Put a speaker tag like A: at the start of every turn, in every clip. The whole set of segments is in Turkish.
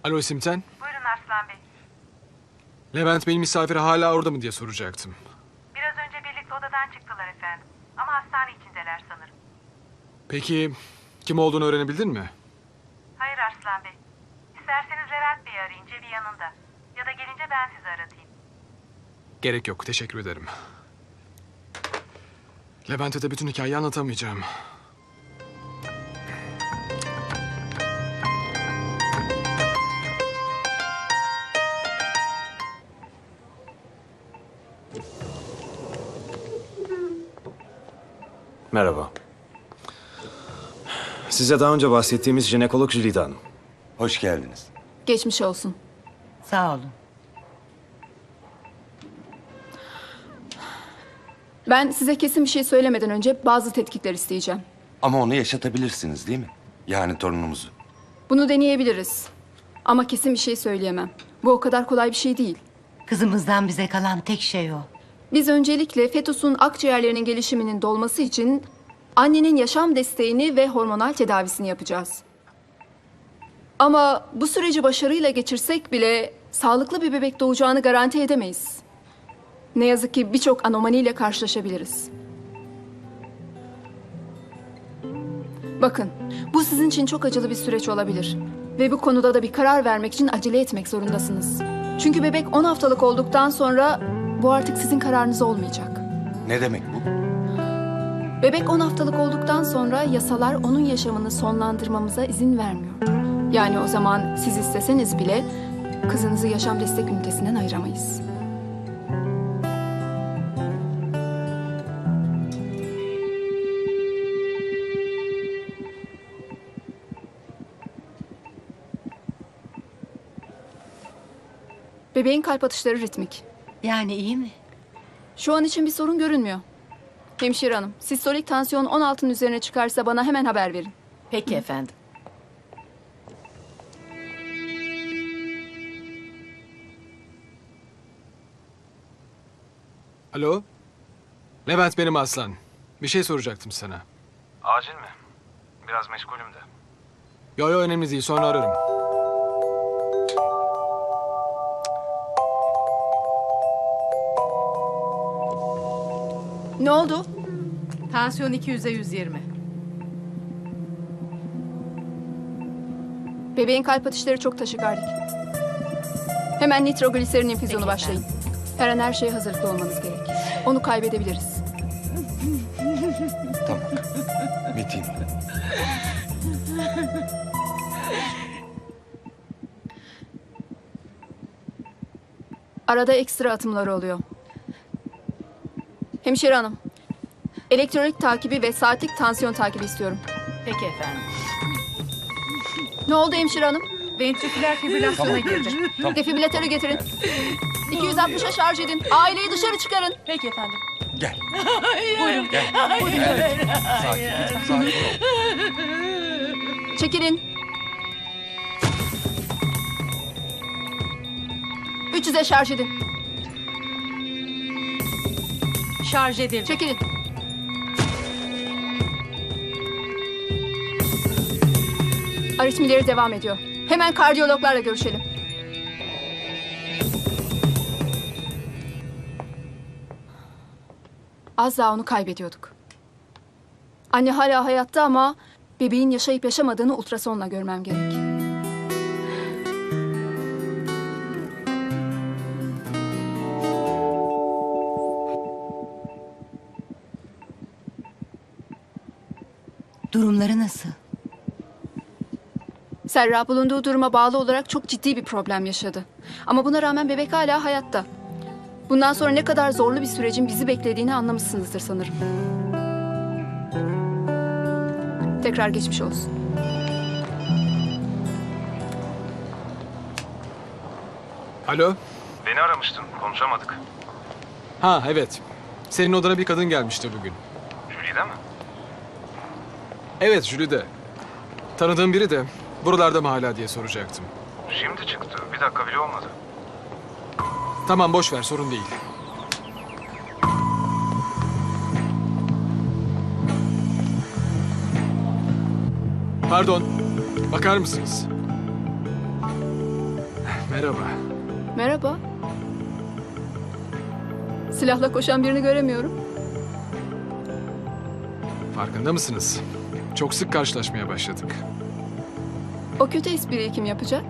A: Alo Simten.
B: Buyurun Arslan Bey.
A: Levent Bey'in misafiri hala orada mı diye soracaktım.
B: Biraz önce birlikte odadan çıktılar efendim. Ama hastane içindeler sanırım.
A: Peki kim olduğunu öğrenebildin mi?
B: Hayır Arslan Bey. İsterseniz Levent Bey'i arayın, cebi yanında. Ya da gelince ben sizi aratayım.
A: Gerek yok, teşekkür ederim. Levent'e de bütün hikayeyi anlatamayacağım.
C: Merhaba. Size daha önce bahsettiğimiz jinekolog Jülide Hanım.
D: Hoş geldiniz.
E: Geçmiş olsun.
F: Sağ olun.
E: Ben size kesin bir şey söylemeden önce bazı tetkikler isteyeceğim.
D: Ama onu yaşatabilirsiniz değil mi? Yani torunumuzu.
E: Bunu deneyebiliriz. Ama kesin bir şey söyleyemem. Bu o kadar kolay bir şey değil.
F: Kızımızdan bize kalan tek şey o.
E: Biz öncelikle fetusun akciğerlerinin gelişiminin dolması için annenin yaşam desteğini ve hormonal tedavisini yapacağız. Ama bu süreci başarıyla geçirsek bile sağlıklı bir bebek doğacağını garanti edemeyiz. Ne yazık ki birçok anomaliyle karşılaşabiliriz. Bakın, bu sizin için çok acılı bir süreç olabilir. Ve bu konuda da bir karar vermek için acele etmek zorundasınız. Çünkü bebek 10 haftalık olduktan sonra bu artık sizin kararınız olmayacak.
D: Ne demek bu?
E: Bebek 10 haftalık olduktan sonra yasalar onun yaşamını sonlandırmamıza izin vermiyor. Yani o zaman siz isteseniz bile kızınızı yaşam destek ünitesinden ayıramayız. Bebeğin kalp atışları ritmik.
F: Yani iyi mi?
E: Şu an için bir sorun görünmüyor. Hemşire hanım, sistolik tansiyon 16'ın üzerine çıkarsa bana hemen haber verin.
F: Peki efendim.
A: Alo? Levent benim Aslan. Bir şey soracaktım sana.
C: Acil mi? Biraz meşgulüm de.
A: Yo önemli değil, sonra ararım.
E: Ne oldu?
G: Tansiyon 200'e 120.
E: Bebeğin kalp atışları çok taşikardik. Hemen nitrogliserin infüzyonu başlayın. Her an her şeye hazırlıklı olmanız gerek. Onu kaybedebiliriz.
D: Tamam. Metin.
E: Arada ekstra atımları oluyor. Hemşire hanım, elektrolit takibi ve saatlik tansiyon takibi istiyorum.
G: Peki efendim.
E: Ne oldu hemşire hanım?
G: Ventriküler fibrilasyona girdi.
E: Defibrilatörü getirin. 260'a şarj edin. Aileyi dışarı çıkarın.
G: Peki efendim.
D: Gel.
G: Buyurun.
D: Gel. Sakin ol.
E: Çekilin. 300'e şarj edin.
G: Şarj edildi.
E: Çekilin. Aritmileri devam ediyor. Hemen kardiyologlarla görüşelim. Az daha onu kaybediyorduk. Anne hala hayatta ama bebeğin yaşayıp yaşamadığını ultrasonla görmem gerek.
F: Durumları nasıl?
E: Serra bulunduğu duruma bağlı olarak çok ciddi bir problem yaşadı. Ama buna rağmen bebek hala hayatta. Bundan sonra ne kadar zorlu bir sürecin bizi beklediğini anlamışsınızdır sanırım. Tekrar geçmiş olsun.
A: Alo?
C: Beni aramıştın, konuşamadık.
A: Ha evet. Senin odana bir kadın gelmişti bugün.
C: Jülide mi?
A: Evet Jülide. Tanıdığım biri de buralarda mı hala diye soracaktım.
C: Şimdi çıktı, bir dakika bile olmadı.
A: Tamam boş ver, sorun değil. Pardon. Bakar mısınız? Merhaba.
E: Merhaba. Silahla koşan birini göremiyorum.
A: Farkında mısınız? Çok sık karşılaşmaya başladık.
E: O kötü espriyi kim yapacak?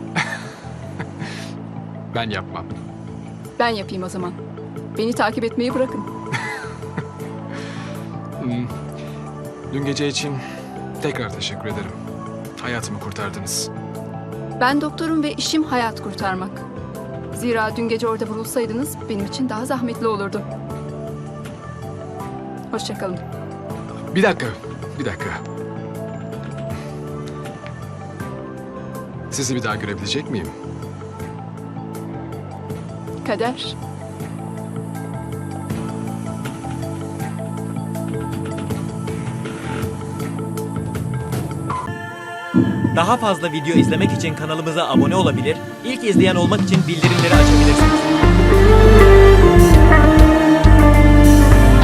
A: Ben yapmam.
E: Ben yapayım o zaman. Beni takip etmeyi bırakın.
A: Dün gece için tekrar teşekkür ederim. Hayatımı kurtardınız.
E: Ben doktorum ve işim hayat kurtarmak. Zira dün gece orada vurulsaydınız benim için daha zahmetli olurdu. Hoşça kalın.
A: Bir dakika. Sizi bir daha görebilecek miyim?
E: Kader.
H: Daha fazla video izlemek için kanalımıza abone olabilir, ilk izleyen olmak için bildirimleri açabilirsiniz.